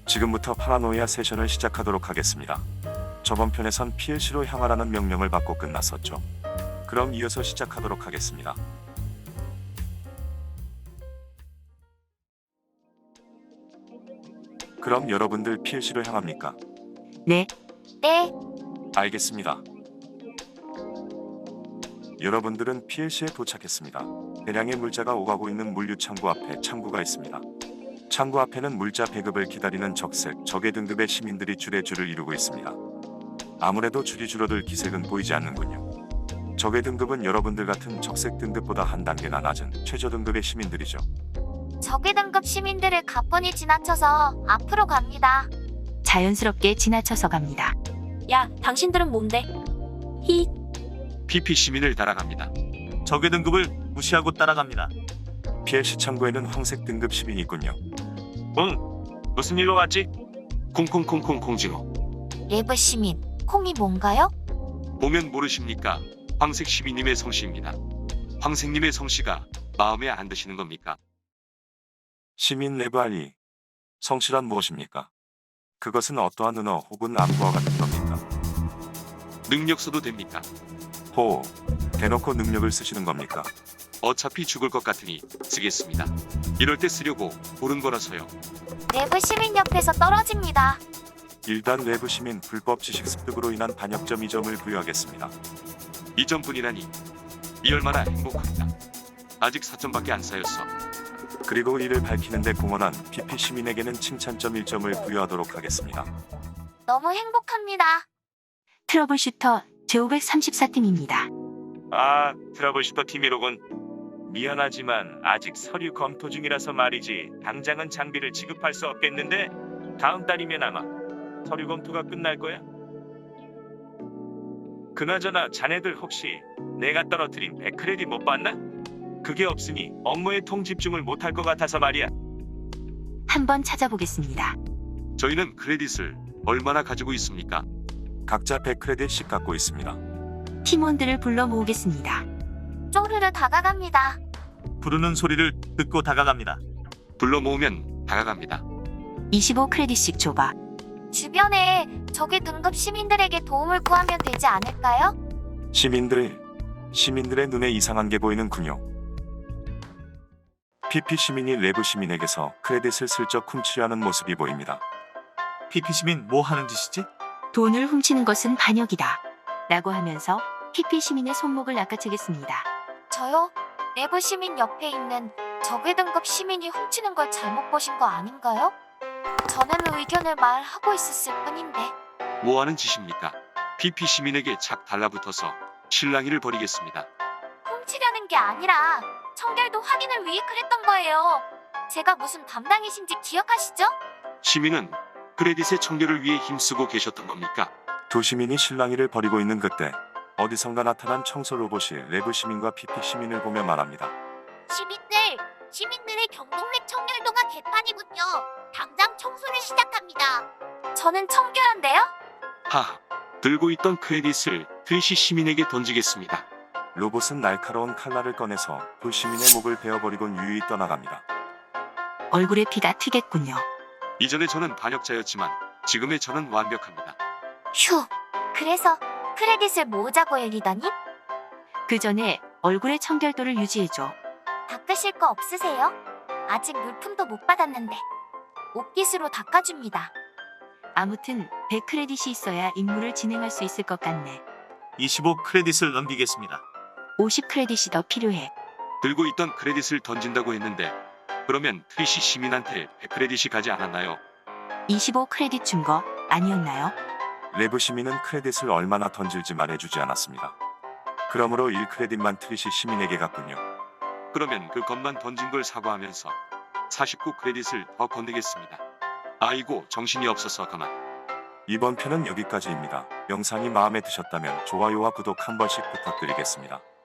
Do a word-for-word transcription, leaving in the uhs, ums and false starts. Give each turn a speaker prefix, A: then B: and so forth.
A: 지금부터 파라노이아 세션을 시작하도록 하겠습니다. 저번 편에선 피엘씨로 향하라는 명령을 받고 끝났었죠. 그럼 이어서 시작하도록 하겠습니다. 그럼 여러분들 피엘씨로 향합니까?
B: 네,
C: 네,
A: 알겠습니다. 여러분들은 피엘씨에 도착했습니다. 대량의 물자가 오가고 있는 물류 창구 앞에 창구가 있습니다. 창구 앞에는 물자 배급을 기다리는 적색, 적의 등급의 시민들이 줄에 줄을 이루고 있습니다. 아무래도 줄이 줄어들 기색은 보이지 않는군요. 적의 등급은 여러분들 같은 적색 등급보다 한 단계나 낮은 최저 등급의 시민들이죠.
C: 적의 등급 시민들을 가뿐히 지나쳐서 앞으로 갑니다.
B: 자연스럽게 지나쳐서 갑니다.
C: 야, 당신들은 뭔데? 히,
D: 피피 시민을 따라갑니다.
E: 적의 등급을 무시하고 따라갑니다.
A: 피엘씨 창구에는 황색 등급 시민이 있군요.
D: 응, 무슨 일로 왔지? 콩콩콩콩 콩지로.
C: 레브 시민, 콩이 뭔가요?
D: 보면 모르십니까? 황색 시민님의 성씨입니다. 황색님의 성씨가 마음에 안 드시는 겁니까?
A: 시민 레브알리, 성실한 무엇입니까? 그것은 어떠한 은어 혹은 암구와 같은 겁니까?
D: 능력 써도 됩니까?
A: 호, 대놓고 능력을 쓰시는 겁니까?
D: 어차피 죽을 것 같으니 쓰겠습니다. 이럴 때 쓰려고 고른 거라서요.
C: 레브 시민 옆에서 떨어집니다.
A: 일단 레브 시민 불법 지식 습득으로 인한 반역점 이 점을 부여하겠습니다.
D: 이 점뿐이라니 이 얼마나 행복합니다. 아직 사 점밖에 안 쌓였어.
A: 그리고 이를 밝히는데 공헌한 피피 시민에게는 칭찬점 일 점을 부여하도록 하겠습니다.
C: 너무 행복합니다.
B: 트러블슈터 제오백삼십사 팀입니다.
E: 아, 트러블슈터 팀이로군. 미안하지만 아직 서류 검토 중이라서 말이지 당장은 장비를 지급할 수 없겠는데 다음 달이면 아마 서류 검토가 끝날 거야. 그나저나 자네들 혹시 내가 떨어뜨린 백 크레딧 못 봤나? 그게 없으니 업무에 통집중을 못할 것 같아서 말이야.
B: 한번 찾아보겠습니다.
D: 저희는 크레딧을 얼마나 가지고 있습니까?
A: 각자 백 크레딧씩 갖고 있습니다.
B: 팀원들을 불러 모으겠습니다.
C: 쪼르르 다가갑니다.
E: 부르는 소리를 듣고 다가갑니다.
D: 불러 모으면 다가갑니다.
B: 이십오 크레딧씩 줘봐.
C: 주변에 적의 등급 시민들에게 도움을 구하면 되지 않을까요?
A: 시민들, 시민들의 눈에 이상한 게 보이는군요. 피피 시민이 레브 시민에게서 크레딧을 슬쩍 훔치려 하는 모습이 보입니다.
E: 피피 시민 뭐 하는 짓이지?
B: 돈을 훔치는 것은 반역이다. 라고 하면서 피피 시민의 손목을 낚아채겠습니다.
C: 저요? 레브 시민 옆에 있는 적의 등급 시민이 훔치는 걸 잘못 보신 거 아닌가요? 저는 의견을 말하고 있었을 뿐인데.
D: 뭐 하는 짓입니까? 피피 시민에게 착 달라붙어서 실랑이를 벌이겠습니다.
C: 훔치려는 게 아니라 청결도 확인을 위해 그랬던 거예요. 제가 무슨 담당이신지 기억하시죠?
D: 시민은 크레딧의 청결을 위해 힘쓰고 계셨던 겁니까?
A: 두 시민이 실랑이를 벌이고 있는 그때 어디선가 나타난 청소 로봇이 레브 시민과 피피 시민을 보며 말합니다.
C: 시민들, 시민들의 경동맥 청결도가 개판이군요. 당장 청소를 시작합니다. 저는 청결한데요?
D: 하, 들고 있던 크레딧을 트리시 시민에게 던지겠습니다.
A: 로봇은 날카로운 칼날을 꺼내서 두 시민의 목을 베어버리곤 유유히 떠나갑니다.
B: 얼굴에 피가 튀겠군요.
D: 이전에 저는 반역자였지만 지금의 저는 완벽합니다.
C: 휴, 그래서 크레딧을 모으자고 열리다니?
B: 그 전에 얼굴의 청결도를 유지해줘.
C: 닦으실 거 없으세요? 아직 물품도 못 받았는데. 옷깃으로 닦아줍니다.
B: 아무튼 백 크레딧이 있어야 임무를 진행할 수 있을 것 같네.
E: 이십오 크레딧을 넘기겠습니다.
B: 오십 크레딧이 더 필요해.
D: 들고 있던 크레딧을 던진다고 했는데 그러면 트리시 시민한테 백 크레딧이 가지 않았나요?
B: 이십오 크레딧 준 거 아니었나요?
A: 레브 시민은 크레딧을 얼마나 던질지 말해주지 않았습니다. 그러므로 일 크레딧만 트리시 시민에게 갔군요.
D: 그러면 그 것만 던진 걸 사과하면서 사십구 크레딧을 더 건네겠습니다. 아이고 정신이 없어서 가만.
A: 이번 편은 여기까지입니다. 영상이 마음에 드셨다면 좋아요와 구독 한 번씩 부탁드리겠습니다.